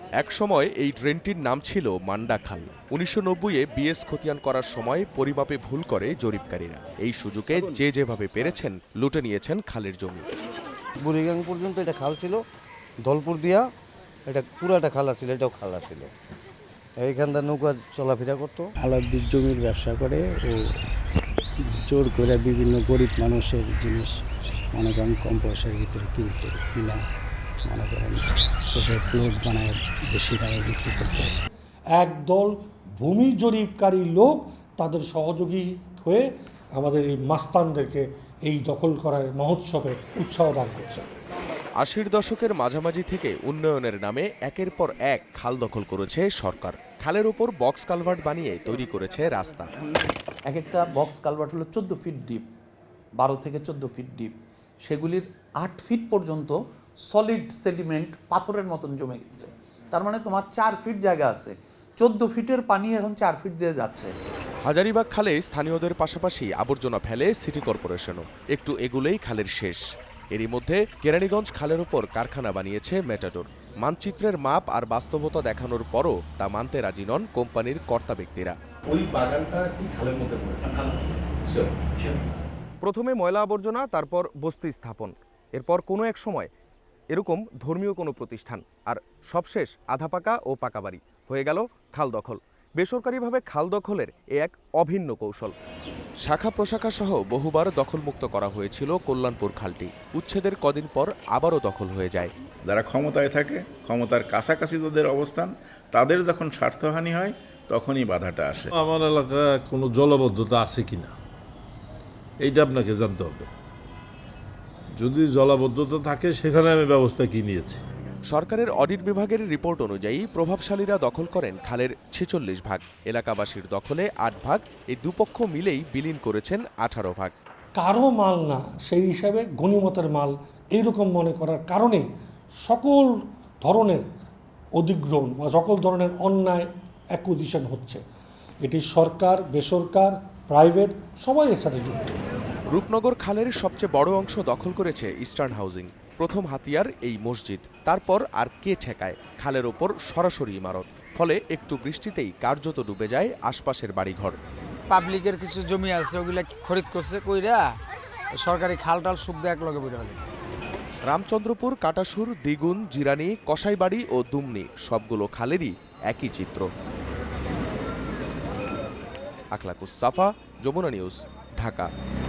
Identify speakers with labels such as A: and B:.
A: একসময় এই ড্রেনটির নাম ছিল মান্ডা খাল। ১৯৯০-এ বিএস খতিয়ান করার সময় পরিমাপে ভুল করে জরিপকারীরা। এই সুযোগে যে যেভাবে পেরেছেন লুটে নিয়েছেন খালের জমি।
B: বুড়িগাং পর্যন্ত এটা খাল ছিল, দলপুর দিয়া এটা পুরাটা খালা ছিল, এটাও খালা ছিল। এইখানটা নৌকা চলাফেরা করতো।
C: আলাদির জমির ব্যবসা করে ও জোর করে বিভিন্ন গরিব মানুষের জিনিস মনে করেন কম পয়সার ভিতরে কিনতো, কিনা মনে করেন ওদের প্লট বানায় বেশি দামে বিক্রি করতো।
D: একদল ভূমি জরিপকারী লোক তাদের সহযোগী হয়ে আমাদের এই মাস্তানদেরকে এই দখল করার মহোৎসবে উৎসাহ দান করছে।
A: ৮০-র দশকের মাঝামাঝি থেকে উন্নয়নের নামে একের পর এক খাল দখল করেছে সরকার। খালের ওপর বক্স কালভার্ট বানিয়ে তৈরি করেছে রাস্তা।
E: এক একটা বক্স কালভার্ট হলো 14 ফিট ডিপ, 12 থেকে 14 ফিট ডিপ। সেগুলির 8 ফিট পর্যন্ত সলিড সেডিমেন্ট পাথরের মতন জমে গেছে। তার মানে তোমার 4 ফিট জায়গা আছে, 14 ফিটের পানি এখন 4 ফিট দিয়ে যাচ্ছে।
A: হাজারীবাগ খালে স্থানীয়দের পাশাপাশি আবর্জনা ফেলে সিটি কর্পোরেশনও। একটু এগুলেই খালের শেষ। এরই মধ্যে কেরানীগঞ্জ খালের ওপর কারখানা বানিয়েছে মেটাডোর। মানচিত্রের মাপ আর বাস্তবতা দেখানোর পরও তা মানতে রাজি নন কোম্পানির কর্তা ব্যক্তিরা।
F: ওই বাগানটা কি খালের মধ্যে পড়েছে?
A: প্রথমে ময়লা আবর্জনা, তারপর বস্তি স্থাপন, এরপর কোনো এক সময় এরকম ধর্মীয় কোনো প্রতিষ্ঠান, আর সবশেষ আধা পাকা ও পাকা বাড়ি। হয়ে গেল খাল দখল। বেসরকারিভাবে খাল দখলের এক অভিন্ন কৌশল। শাখা প্রশাখা সহ বহুবার দখলমুক্ত করা হয়েছিল কল্যাণপুর খালটি। উচ্ছেদের কদিন পর আবারও দখল হয়ে যায়।
G: যারা ক্ষমতায় থাকে, ক্ষমতার কাছাকাছি তাদের অবস্থান, তাদের যখন স্বার্থহানি হয় তখনই বাধাটা আসে।
H: আমার এলাকায় কোনো জলাবদ্ধতা আছে কিনা এইটা আপনাকে জানতে হবে। যদি জলাবদ্ধতা থাকে সেখানে আমি ব্যবস্থা কি নিয়েছি।
A: সরকারের অডিট বিভাগের রিপোর্ট অনুযায়ী প্রভাবশালীরা দখল করেন খালের ৪৬ ভাগ। এলাকাবাসীর দখলে ৮ ভাগ। এই দুপক্ষ মিলেই বিলীন করেছেন ১৮ ভাগ।
D: কারো মাল না, সেই হিসাবে গণিমতের মাল এইরকম মনে করার কারণে সকল ধরনের অধিগ্রহণ বা সকল ধরনের অন্যায় অ্যাকুইজিশন হচ্ছে। এটি সরকার, বেসরকার, প্রাইভেট সবাই এর সাথে যুক্ত।
A: রূপনগর খালের সবচেয়ে বড় অংশ দখল করেছে ইস্টার্ন হাউজিং। প্রথম হাতিয়ার এই মসজিদ, তারপর আর কে ঠেকায়? খালের ওপর সরাসরি ইমারত। ফলে একটু বৃষ্টিতেই কার্যত ডুবে যায় আশপাশের বাড়িঘর।
I: পাবলিকের কিছু জমি আছে, ওগুলা খরিদ করছে কইরা সরকারি খাল টাল সুখ দেয় একলগে বের হয়েছে।
A: রামচন্দ্রপুর, কাটাসুর, দ্বিগুণ, জিরানি, কসাইবাড়ি ও দুমনি সবগুলো খালেরই একই চিত্র। আখলাকুস সাফা, যমুনা নিউজ, ঢাকা।